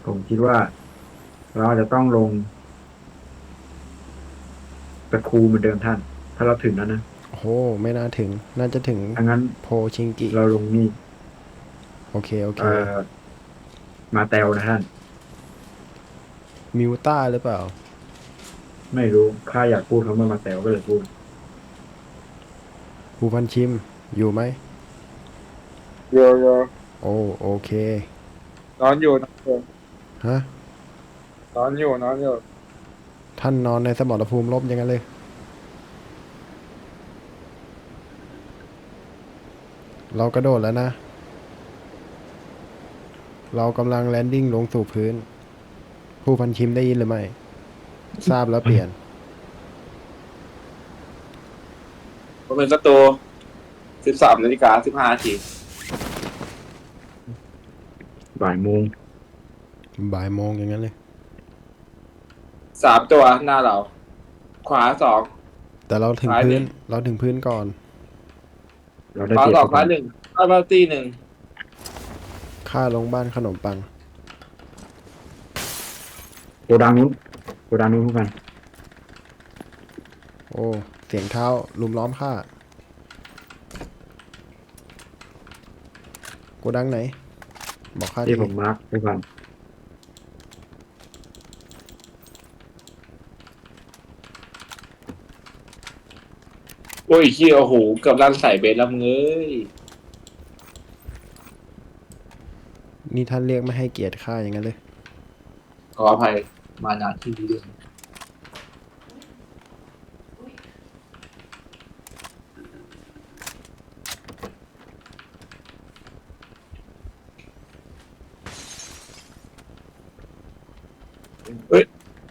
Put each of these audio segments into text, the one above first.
ผมคิดว่าเราอาจจะต้องลงตะคูเหมือนเดิมท่านถ้าเราถึงแล้วนะโอ้โหไม่น่าถึงน่าจะถึงถ้างั้นโพชิงกิเราลงนี่โอเคโอเคเอ่อมาแตวนะท่านมิวต้าหรือเปล่าไม่รู้ข้าอยากพูดเขามาแตวก็เลยพูดภูพันชิมอยู่ไหมโยโย่โอ้โอเคนอนอยู่นอนอยู่ฮะนอนอยู่นอนอยู่ท่านนอนในสมรภูมิรบอย่างนั้นเลยเรากระโดดแล้วนะเรากำลังแลนดิ้งลงสู่พื้นผู้พันชิมได้ยินหรือไม่ทราบแล้วเปลี่ยนผมเป็นศัตรู13:15 บ่ายโมงบ่ายโมงอย่างนั้นเลย 3 ตัวหน้าเราขวาสองแต่เราถึงพื้นซ้ายหนึ่งเราถึงพื้นก่อนเราได้ขวาสองเปรียบผู้พันซ้ายหนึ่งซ้ายมาตีหนึ่งข้าลงบ้านขนมปังโกดังนู้นโกดังนู้นผู้พันโอ้เสียงเท้าลุมล้อมข้าโกดังไหนบอกข้าที่ทีผมมาร์คผู้พันโอ้ยเฮียโอ้โหเกือบลั่นใส่เบสแล้วมึงเอ้ยนี่ท่านเรียกไม่ให้เกียรติข้าอย่างนั้นเลยขออภัยมานานที่นี้ด้วยเฮ้ย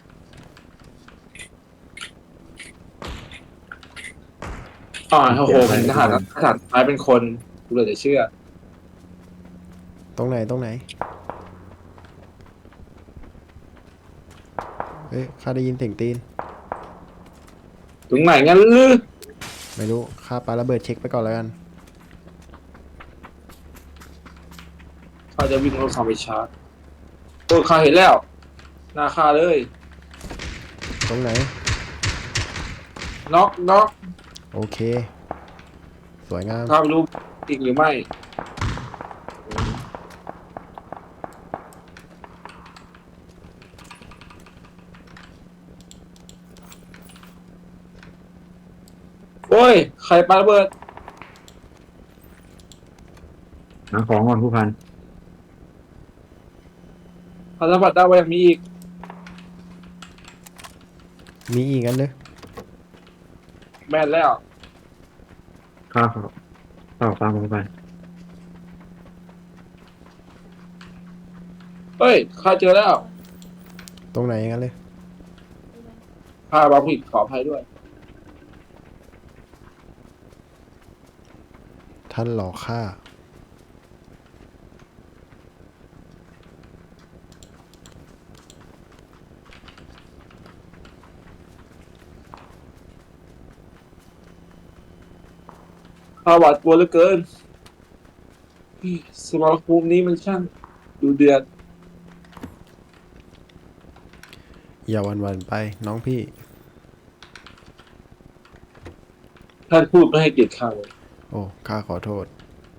โอ้โหเสียอะไรเป็นทหารนะผู้พันทหารท้ายเป็นคนกูเลยจะเชื่อตรงไหนตรงไหนเฮ้ยข้าได้ยินเสียงตีนถึงไหนงั้นลือไม่รู้ข้าปาระเบิดเช็คไปก่อนแล้วกันเขาจะวิ่งรถคอมไปชาร์จโอ้ยข้าเห็นแล้วหน้าข้าเลยตรงไหนน็อกน็อกโอเคสวยงามข้าไม่รู้จริงหรือไม่ โอ้ยใครปาระเบิดหาของก่อนผู้พันพันธบัตรดาวไว้ยังมีอีกมีอีกอันเลยแม่นแล้วข้าขอข้าขอฟังผู้พันเฮ้ยข้าเจอแล้วตรงไหนอย่างนั้นเลยข้าบางผิดขออภัยด้วยท่านหลอกข้าข้าหวาดกลัวเหลือเกินสมรภูมินี้มันช่างดูเดือดอย่าหวันๆไปน้องพี่ท่านพูดไม่ให้เกียรติข้าเลยโอ้ข้าขอโทษ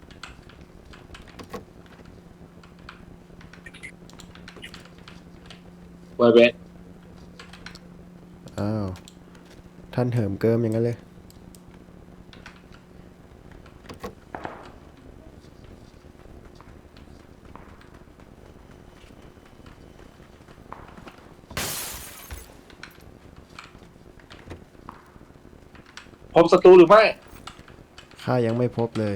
ไวเบสอ้าวท่านเหิมเกิมอย่างนั้นเลยพบศัตรูหรือไม่ข้ายังไม่พบเลย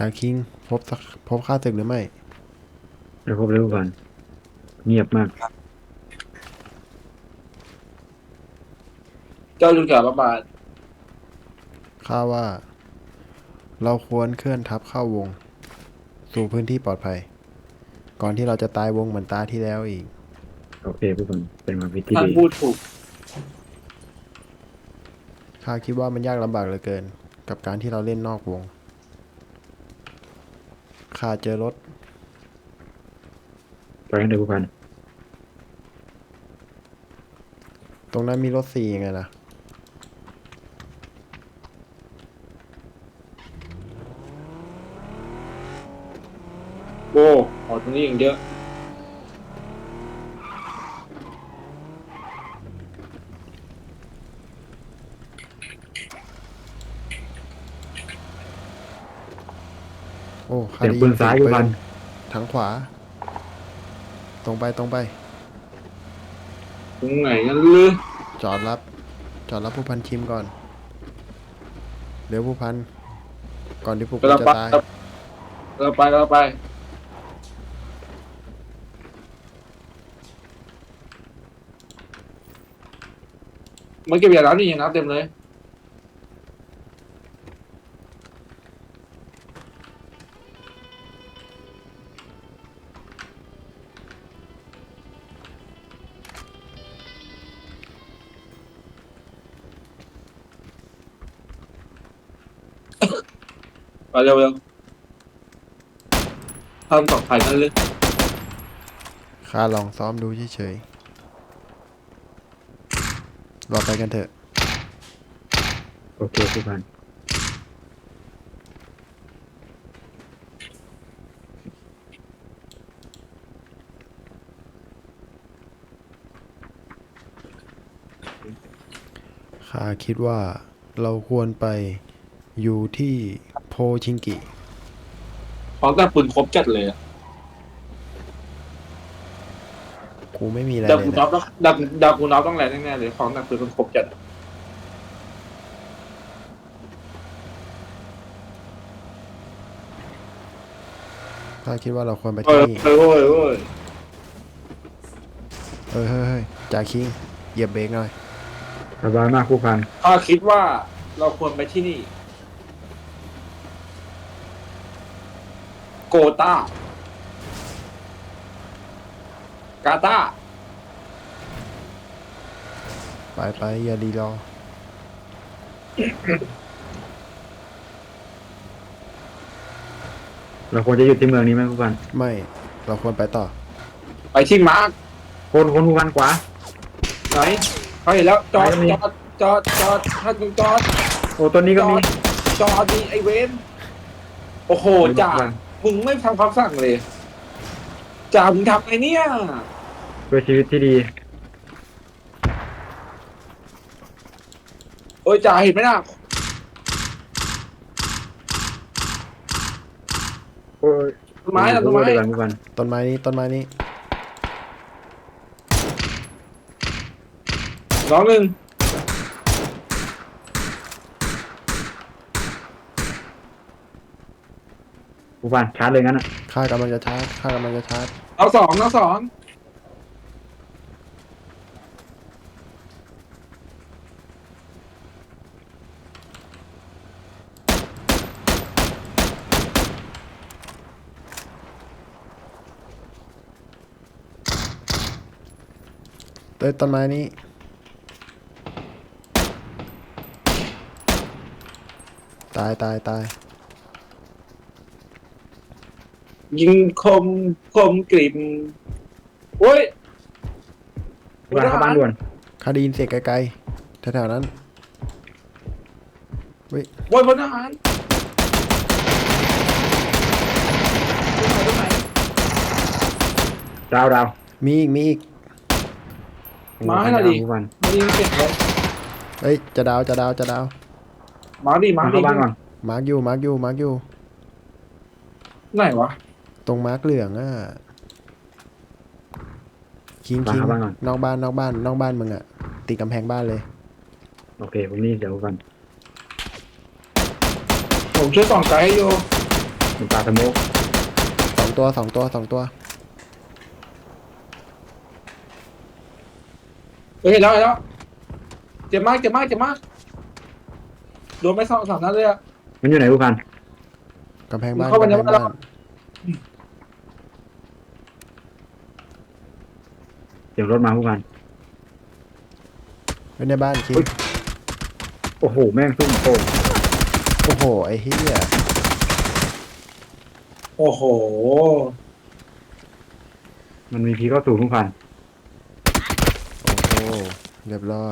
จ่าคิงพบข้าศึกหรือไม่เดี๋ยวพบเร็วก่อนเงียบมากเจ้าจุนกาประบาทข้าว่า เราควรเคลื่อนทัพเข้าวง สู่พื้นที่ปลอดภัย ก่อนที่เราจะตายวงเหมือนตาที่แล้วอีกโอเคผู้พันเป็นความคิดที่ท่านดีพูดถูกข้าคิดว่ามันยากลำบากเหลือเกิน กับการที่เราเล่นนอกวง ข้าเจอรถไปกันเถอะผู้พันตรงนั้นมีรถ4ยังไงล่ะโอ้ออกตรงนี้อย่างเยอะโอ้ข้าเสียงได้ปืยินนซ้ายเสีผู้ยงพันทางขวา ตรงไปตรงไหนกันลือจอดรับผู้พันชิมก่อน เดี๋ยวผู้พัน ก่อนที่พวกเราจะไปตายเราไปมันเก็บยาแล้วนี่ยังนับเต็มเลยไปเร็วท่านปลอดภัยนั่นเลยข้าลองซ้อมดูเฉยๆเราไปกันเถอะโอเคผู้พันข้าคิดว่าเราควรไปอยู่ที่โพชิงกิของแต่ปืนครบจัดเลยอะกูไม่มีอะไรดับเลยกูน็อนะปต้องดับกูน็อปต้องแรงแน่ๆเลยของแต่ปืนมันครบจัดข้าคิดว่าเราควรไปเฮ้ที่ยนี่เฮ้ยเฮ้ยเฮ้ยเฮ้ยจ่าคิง เหยียบเบรกหน่อยสบายมากผู้พันข้าคิดว่าเราควรไปที่นี่ โกตากาตาไปอย่าดีรอเราควรจะหยุดที่เมืองนี้ไหมผู้พันไม่ เราควรไปต่อไปที่มาร์คคนผู้พันขวาไหนเขาเห็นแล้วจอดไหนก็มีจอดท่านจอดโอ้ต้นนี้ก็มีจอดดีไอเวนโอ้โหจ่ามึงไม่ทำคำสั่งเลยจ่ามึงทำไงเนี่ยเพื่อชีวิตที่ดีเอ้ยจ่าเห็นไหมน่ะโอ้ยต้นไม้น่ะต้นไม้เดี๋ยวก่อนผู้พันต้นไม้นี้น้องหนึ่งผู้พันชาร์จเลยงั้นอ่ะข้ากำลังจะชาร์จน้องสองต้นไม้นี้ ตายยิงคมกริบโอ้ยผู้พันเข้าบ้านด่วนข้าได้ยินเสียงไกลๆแถวๆนั้นโอ้ยพลทหารตรงไหนดาวมีอีกมาให้หน่อยดิผู้พันมายิงเก็บเลยเฮ้ย จะดาวมาดิเข้าบ้านก่อนมาร์กอยู่ไหนวะตรงมาร์กเหลืองอ่ะ คิงเข้าบ้านก่อนนอกบ้านมึงอ่ะ ติดกำแพงบ้านเลยโอเคผมนี่เดี๋ยวผู้พันผมช่วยส่องไกด์ให้โยมันปลาสโมกสองตัวสองตัวสองตัวเฮ้ยเห็นแล้วเห็นแล้วเจ็บมากเจ็บมากเจ็บมากโดนไป2-3 นัดเลยอะมันอยู่ไหนผู้พันกำแพงบ้านเข้าไปกำในแพงบ้านบ้านเสียงรถมาผู้พันไว้ในบ้านคิดโอ้โหแม่งซุ่มโป่งโอ้โหไอ้เหี้ยโอ้โหมันมีพีเข้าสู่ผู้พันโอ้โหเรียบร้อย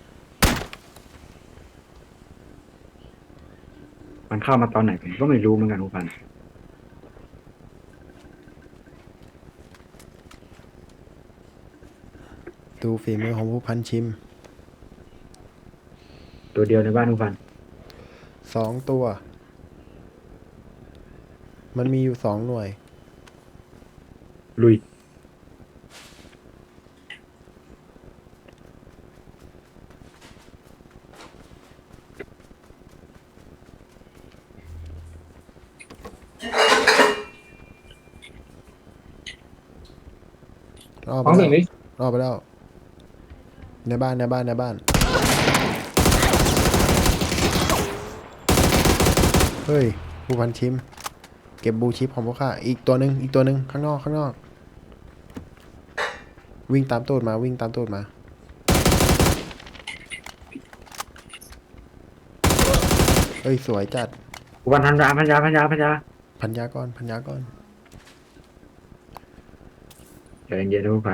มันเข้ามาตอนไหนผมก็ไม่รู้เหมือนกันผู้พันดูฝีมือของผู้พันชิมตัวเดียวในบ้านผู้พันสองตัว มันมีอยู่2 หน่วยลุยรอบไปฟังแล้เสียว งนี้รอบไปแล้ว ในบ้านในบ้านในบ้าน เฮ้ย ผู้พันชิม เก็บบูชิปของพวกข้าอีกตัวหนึ่งอีกตัวหนึ่งข้างนอกข้างนอก วิ่งตามตูดมาวิ่งตามตูดมา เฮ้ย สวยจัดผู้พันพันยาพันยาพันยาพันยาพันยาก่อนพันยาก่อนใจเย็นๆนะผู้พัน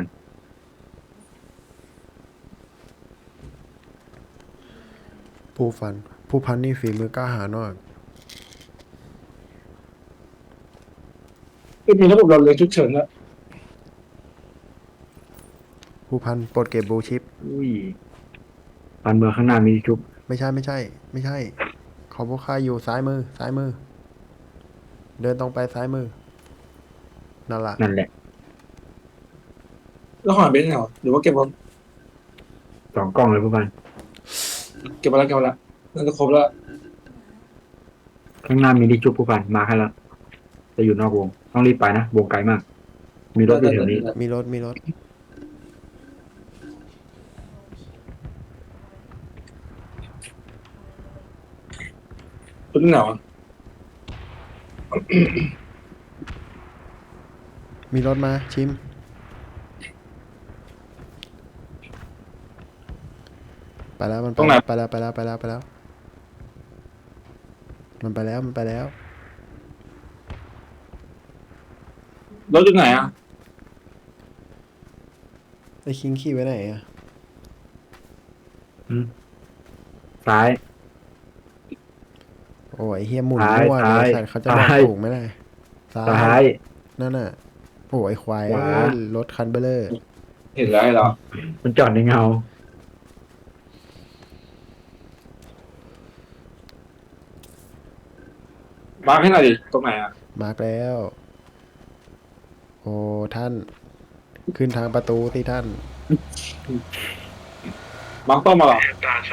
ผู้พันนี่ฝีมือกล้าหาญมากคือมีระบบเราเลยฉุกเฉินแล้วผู้พันปลดเก็บบูชิปอุ้ยปันเมืองข้างหน้ามีชุบไม่ใช่ไม่ใช่ ไม่ใช่ ของพวกข้าอยู่ซ้ายมือซ้ายมือ เดินตรงไปซ้ายมือ นั่นล่ะนั่นแหละแล้วหอยเป็นไงวะหรือว่าเก็บไว้ 2 กล้องเลยผู้พันเก็บไว้แล้วเก็บไว้แล้วน่าจะครบแล้วข้างหน้ามีที่ชุบผู้พันมาให้แล้วจะอยู่นอกวง ต้องรีบไปนะวงไกลมาก มีรถอยู่แถวนี้มีรถมีรถเป็นไงวะมีรถมาชิม ไปแล้วมันไปแล้วไปแล้วไปแล้วไปแล้วไปแล้ว มันไปแล้วมันไปแล้วรถอยู่ไหนอ่ะไอ้คิงขี่ไว้ไหนอะซ้ายโอ้ยไอ้เฮียหมุนซ้ายมั่วเลยซ้ายสัตว์เขาจะบอกซ้ายถูกไหมล่ะซ้าซ้าย ยนั่นน่ะโอ้ยไอ้ควายขวาเอ้ยรถคันเบลเลอร์เห็นแล้วไอ้เรามันจอดในเงามาให้หน่อยดิตรงไหนอ่ะมาร์กแล้ว โอ้ท่าน ขึ้นทางประตูที่ท่านมาร์คต้มมาเหรอ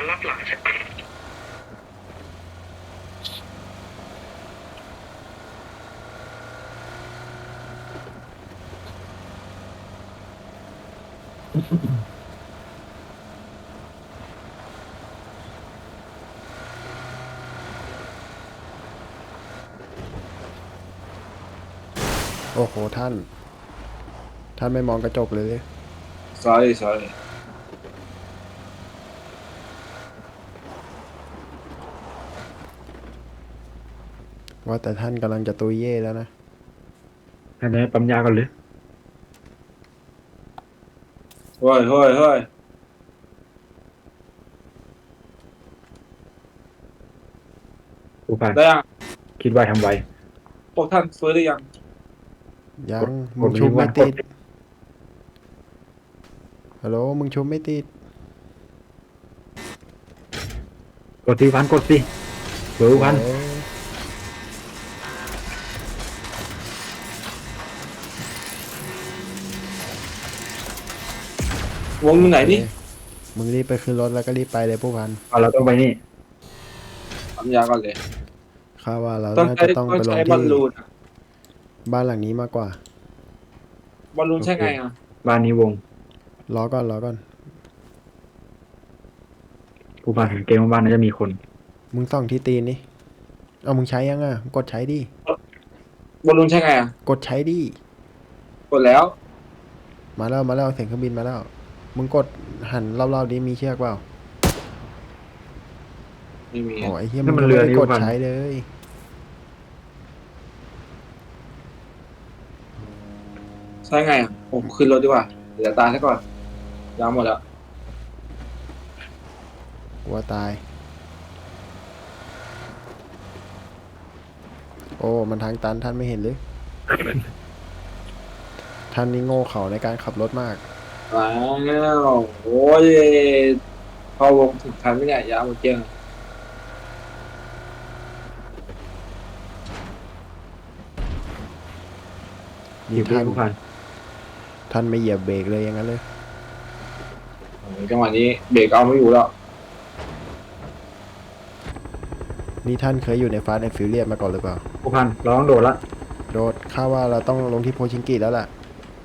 โอ้โหท่าน ท่านไม่มองกระจกเลย sorry ว่าแต่ท่านกำลังจะตุยเย่แล้วนะให้ได้ปั๊มยาก่อนเลยเฮ้ยผู้พันได้ยังคิดว่าทำไวพวกท่านฟื้นหรือยังยังกดมึงชุบกดไม่ติดกดฮัลโหลมึงชุบไม่ติดกดสิพันกดสิเบอร์พันเอ้ยวงอยู่ไหนนี่มึงรีบไปขึ้นรถแล้วก็รีบไปเลยผู้พันเอาเราต้องไปนี่ทำยาก่อนเลยข้าว่าเราต้องน่าใช้จะต้องไปลงบอลที่ลูนอะบ้านหลังนี้มากกว่าบอลลูนใช่ไงอ่ะบ้านนี้วงรอก่อนรอก่อนผู้พันเห็นเกมว่าบ้านน่าจะมีคนมึงส่องที่ตีนนี่เอามึงใช้ยังอ่ะกดใช้ดิบอลลูนใช่ไงอ่ะกดใช้ดิกดแล้วมาแล้วมาแล้วเสียงเครื่องบินมาแล้ว มึงกดหันรอบๆนี้มีเชือกเปล่าไม่มีโอ้อะยไอ้เฮียนั่มึนงมันยังเรือไม่ได้นี่กดพันใช้เลยใช่ไงอ่ะผมขึ้นรถดีกว่าเดี๋ยวตายซะก่อนยาวหมดแล้วกลัวตาย โอ้มันทางตันท่านไม่เห็นหรือ ท่านนี่โง่เขลาในการขับรถมากแล้วโอ้ยพอวงถึงทันไหมเนี่ยยาวหมดเกลี้ยงนี่อยู่ที่ท่านผู้พันท่านไม่เหยียบเบรกเลยอย่างนั้นเลยโอ้ยจังหวะนี้เบรกเอาไม่อยู่แล้วนี่ท่านเคยอยู่ในฟาสต์แอนด์ฟิวเรียสมาก่อนหรือเปล่าผู้พันเราต้องโดดละโดดข้าว่าเราต้องลงที่โพชิงกิแล้วล่ะ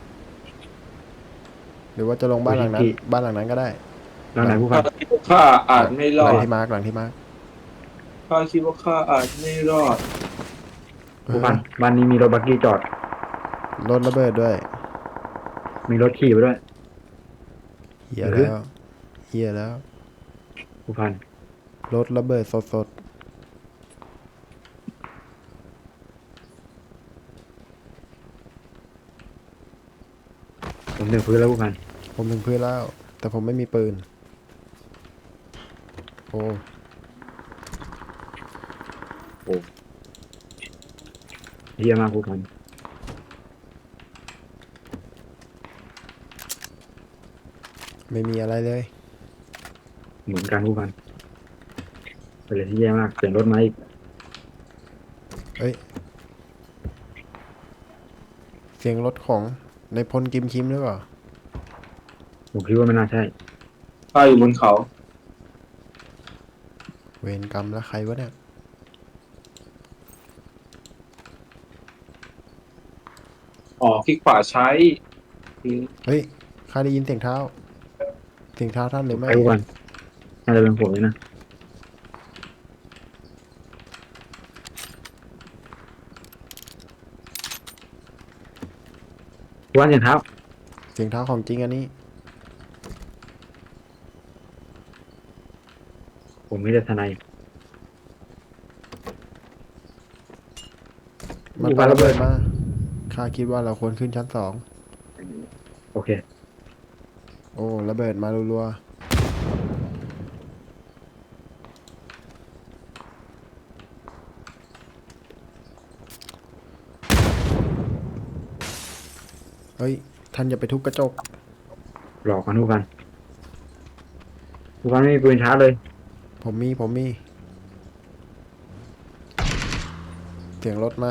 หรือว่าจะลงบ้านหลังนั้น บ้านหลังนั้นก็ได้แล้วไหนผู้พันข้าอาจไม่รหอลังดที่มาร์กหลังที่มาร์กข้าคิดว่าข้าอาจไม่รอดผู้พันบ้านนี้มีรถบักกี้จอดรถระเบิดด้วยมีรถขี่ไปด้วยเฮียแล้วเฮียแล้วผู้พันรถระเบิดสดผมถึงพื้นแล้วผู้พันๆผมถึงพื้นแล้ว แต่ผมไม่มีปืน โอ้เยี่ยมมากผู้พันไม่มีอะไรเลยเหมือนกันผู้พันเป็นอะไรที่แย่มากเปลี่ยนรถมาอีกเอ้ย เสียงรถของในพลกิมคิมหรือเปล่าผมคิดว่าไม่น่าใช่ข้าอยู่บนเขาเวรกรรมแล้วใครวะเนี่ยอ๋อคลิกขวาใช้เฮ้ยข้าได้ยินเสียงเท้า เสียงเท้าท่านหรือไม่ไอ้ผู้พันน่าจะเป็นผมเลยนะผู้พันเสียงเท้าเสียงเท้าของจริงอันนี้ผมไม่ได้ทนายมันอยู่ปาบ้านระระเบิเบิดดมา ข้าคิดว่าเราควรขึ้นชั้นสองโอเคโอ้ระเบิดมารัวๆเฮ้ย ท่านอย่าไปทุบกระจกหลอกกันผู้พันผู้พันไม่มีปืนชาร์จเลยผมมี เสียงรถมา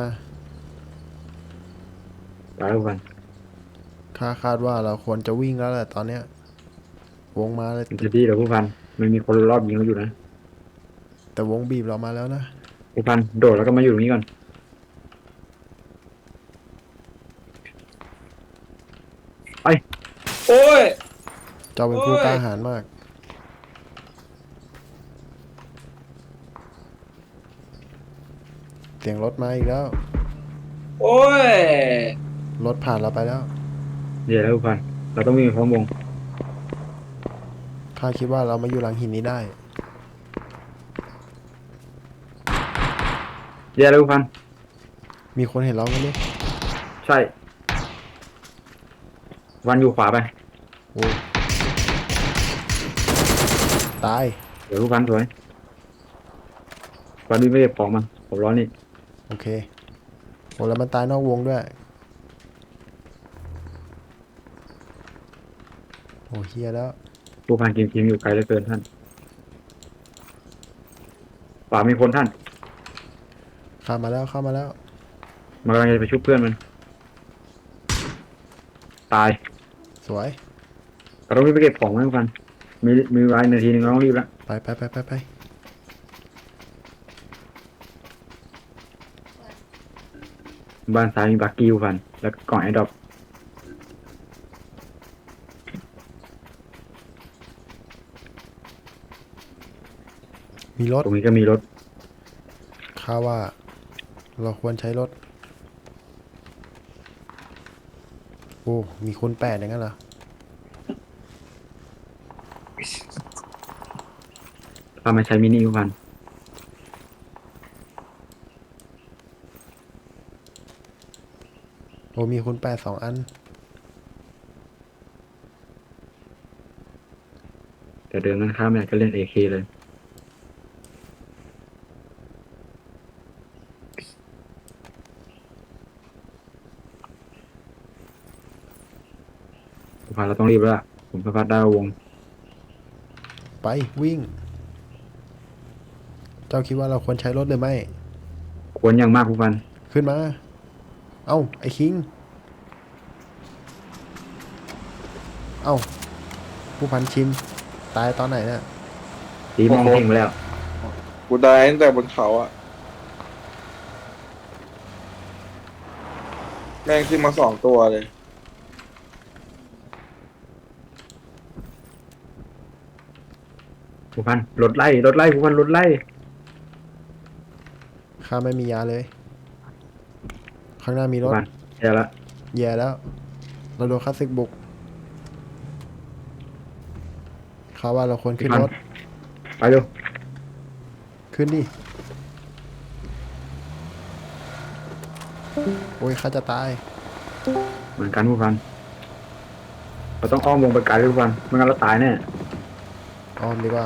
ตายแล้วผู้พันข้าคาดว่าเราควรจะวิ่งแล้วแหละตอนเนี้ย วงมาเลยมันจะดีเหรอผู้พันไม่มีคนรอบยิงเราอยู่นะแต่วงบีบเรามาแล้วนะผู้พันโดดแล้วก็มาอยู่ตรงนี้ก่อนโอ้ยเจ้าเป็นผู้โอ้ยกล้าหาญมาก เสียงรถมาอีกแล้วโอ้ยรถผ่านเราไปแล้วเดี๋ยวแล้วผู้พันเราต้องวิ่งไปพร้อมวงข้าคิดว่าเรามาอยู่หลังหินนี้ได้เดี๋ยวแล้วผู้พันมีคนเห็นเราไหมเนี่ยใช่ วันอยู่ขวาไปโอ้ตายเดี๋ยวผู้พันสวยวันนี้ไม่ได้ของมันผมร้อนนี่โอเคโอ้แล้วมันตายนอกวงด้วย โอ้เฮียแล้วผู้พันกินทีมอยู่ไกลเหลือเกินท่านขวามีคนท่านเข้ามาแล้วมันกำลังจะไปชุบเพื่อนมัน ตายสวยเราต้องรีบไปเก็บของไว้ผู้พันมีเวลานาทีนึงเราต้องรีบแล้วไปบ้านซ้ายมีบักกี้ผู้พันแล้วก็กล่องไอ้ดรอปมีรถตรงนี้ก็มีรถข้าว่า เราควรใช้รถ โอ้มีคูณ8อย่างนั้นเหรอถ้าไม่ใช้มินิผู้พันโอ้มีคูณ8 2 อันแต่เดินนั้นข้ามเนี่ยก็เล่น AK เลยผู้พันเราต้องรีบแล้วล่ะผมสะพัดได้วงไปวิ่ง เจ้าคิดว่าเราควรใช้รถหรือไม่ควรอย่างมากผู้พันขึ้นมา เอ้า ไอ้คิง เอ้า ผู้พันชิน ตายตอนไหนเนี่ยตีมองเพ่งไปแล้วกูได้ตั้งแต่บนเขาอะแม่งขึ้นมา2 ตัวเลยผู้พันรถไล่ผู้พันรถไล่ข้าไม่มียาเลย ข้างหน้ามีรผู้ถพันแย่ละแย่แล้ว เราโดนข้าศึกบุกข้าว่าเราควรขึ้นรถไปเร็วขึ้นดิ โอ้ยข้าจะตายเหมือนกันผู้พันเราต้องอ้อมวงไปไกลเลยผู้พันไม่งั้นเราตายแน่อ้อมดีกว่า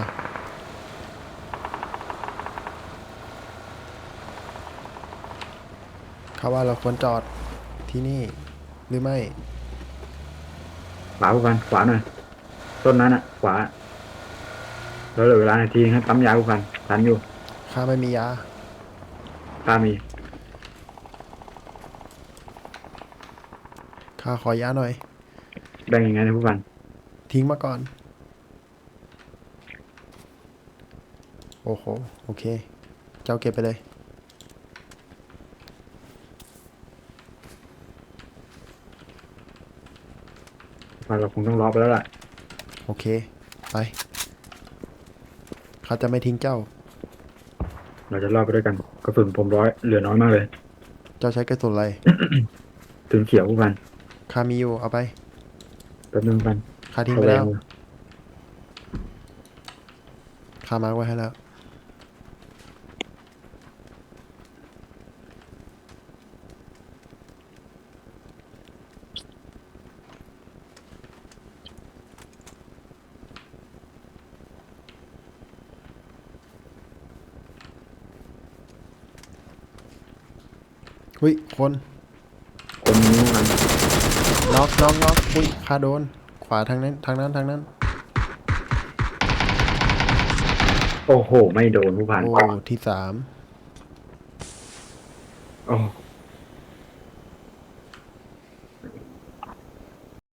ข้าว่าเราควรจอดที่นี่ หรือไม่ขวาผู้พันขวาหน่อยต้นนั้นอ่ะ ขวาแล้วเหลือเวลานาทีให้ปั๊มยาผู้พันทันอยู่ข้าไม่มียาตามีข้าขอยาหน่อยแบ่งยังไงนะผู้พันทิ้งมาก่อน โอ้โห โอเค เจ้าเก็บไปเลยผู้พันเราคงต้องล็อกไปแล้วล่ะโอเค ไป ข้าจะไม่ทิ้งเจ้าเราจะรอดไปด้วยกันกระสุนผมเหลือน้อยมากเลยเจ้าใช้กระสุนอะไรถึงเขียวผู้พันข้ามีอยู่ เอาไปแป๊บนึงผู้พันข้าทิ้งไปแล้ว ข้ามาร์คไว้ให้แล้ว อุ้ย คนคนนี้ผู้พันน็อกอุ้ยข้าโดน ขวาทางนั้น ทางนั้นโอ้โห ไม่โดนผู้พันโอ้ ที่ 3 โอ้โห